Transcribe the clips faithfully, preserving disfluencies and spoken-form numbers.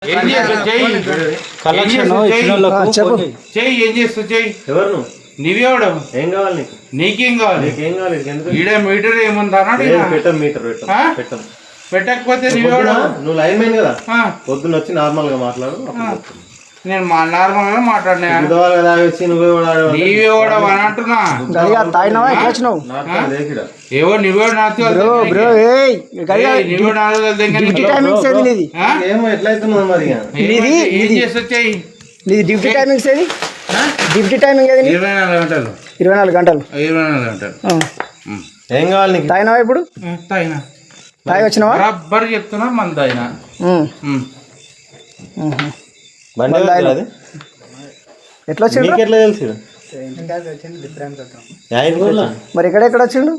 ఏం చేస్తావు చెయ్యి కలెక్షన్ చెయ్యి ఏం చేస్తావు చెయ్యి ఎవరు నువ్వు నీవేవడం ఏం కావాలి నీకు నీకేం కావాలి నీకేం కావాలి ఎందుకు ఈడ మీటర్ ఏముందా పెట్టం మీటర్ పెట్టం పెట్టం పెట్టకపోతే నీవేవడం నువ్వు లైన్ మ్యాన్ కదా పొద్దున్న వచ్చి నార్మల్ గా మాట్లాడు నేను మా నార్మల్ గా మాట్లాడినా వచ్చి నువ్వే నీవే కూడా అని అంటున్నా ఏవో నువ్వే ఏమో ఎట్లయితున్నా మరి ఏం చేసొచ్చాయి డ్యూటీ టైమింగ్స్ ఏది డ్యూటీ టైమింగ్ ఏది ఇరవై నాలుగు గంటలు ఇరవై నాలుగు గంటలు ఇరవై నాలుగు గంటలు ఏం కావాలి నీకు తాగినావా ఇప్పుడు తాగినా తాగి వచ్చినావా బరాబర్ చెప్తున్నా మన తాగినా బండి ఎట్లా వచ్చిండు ఎట్లా తెలుసు మరి ఇక్కడ ఎక్కడ వచ్చిండు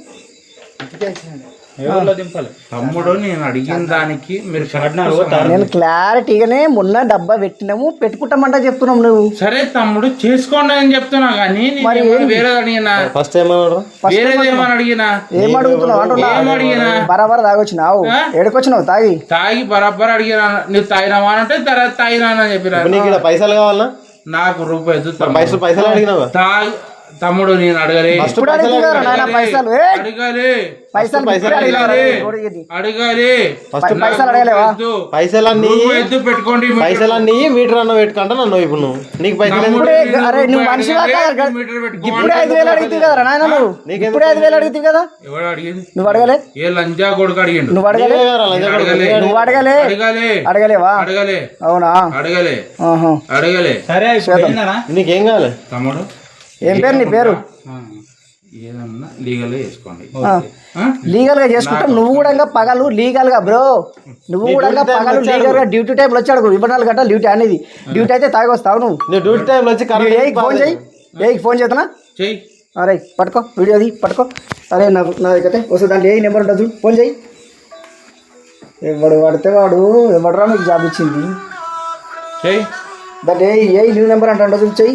తమ్ముడు నేను అడిగిన దానికి మీరు నేను క్లారిటీగానే మొన్న డబ్బా పెట్టినాము పెట్టుకుంటామంట చెప్తున్నాం నువ్వు సరే తమ్ముడు చేసుకోండి అని చెప్తున్నా కానీ మరి వేరేది అడిగినా ఫస్ట్ ఏమన్నా వేరేది ఏమని అడిగినా ఏం అడుగుతున్నావు అంటున్నా అడిగినా బరాబర్ తాగొచ్చినావు ఏడుకొచ్చినావు తాగి తాగి బరాబర్ అడిగినా నువ్వు తాగినావా అంటే తర్వాత తాగినా అని చెప్పినా నీకు పైసలు కావాలా నాకు రూపాయలు పైసలు పైసలు అడిగినావా తాగి తమ్ముడు నేను అడగలే పైసలు అడగాలి పైసలు అడగాలి పైసలు అడగలేవా పైసలన్నీ ఎద్దు పెట్టుకోండి పైసలన్నీ మీటర్ అన్న పెట్టుకుంటా నన్ను ఇప్పుడు నువ్వు నీకు పైసలు అరే నువ్వు మనిషి ఇప్పుడే ఐదు వేలు అడుగుతావు కదా నాయన నువ్వు ఇప్పుడే ఐదు వేలు అడుగుతావు కదా ఎవడు అడిగేది నువ్వు అడగలే ఏ లంజా కొడుకు అడిగిండు నువ్వు అడగలే నువ్వు అడగలే అడగలే అడగలేవా అడగలే అవునా అడగలే అడగలే సరే నీకేం కావాలి తమ్ముడు ఏం పేరు నీ పేరు ఏదన్నా లీగల్ గా చేసుకోండి లీగల్ గా చేసుకుంటాం నువ్వు కూడా పగలు లీగల్ గా బ్రో నువ్వు కూడా పగలు లీగల్ గా డ్యూటీ టైంలో వచ్చాడు ఇరవై నాలుగు గంటలు డ్యూటీ అనేది డ్యూటీ అయితే తాగి వస్తావు నువ్వు డ్యూటీ టైంలో వచ్చి ఏకి ఫోన్ చేయి ఏకి ఫోన్ చేస్తున్నా చెయ్యి అరే పట్టుకో వీడియోది పట్టుకో అరే నాకు నా దగ్గర వస్తుంది దాంట్లో ఏ నెంబర్ ఉంటుంది ఫోన్ చేయి ఎవడు పడితే వాడు ఎవడరా మీకు జాబ్ ఇచ్చింది చెయ్యి దాంట్లో ఏ ఏ న్యూ నెంబర్ అంటే ఉంటుంది చెయ్యి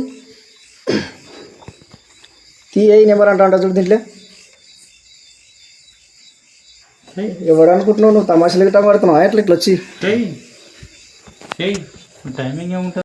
తీ ఏ నెంబర్ అంటా అంట చూడు దీంట్లో ఎవడు అనుకుంటున్నావు నువ్వు తమాషలు గిట్ట పడుతున్నావు ఎట్లా ఇట్లా వచ్చి టైమింగ్ ఏముంటుంది.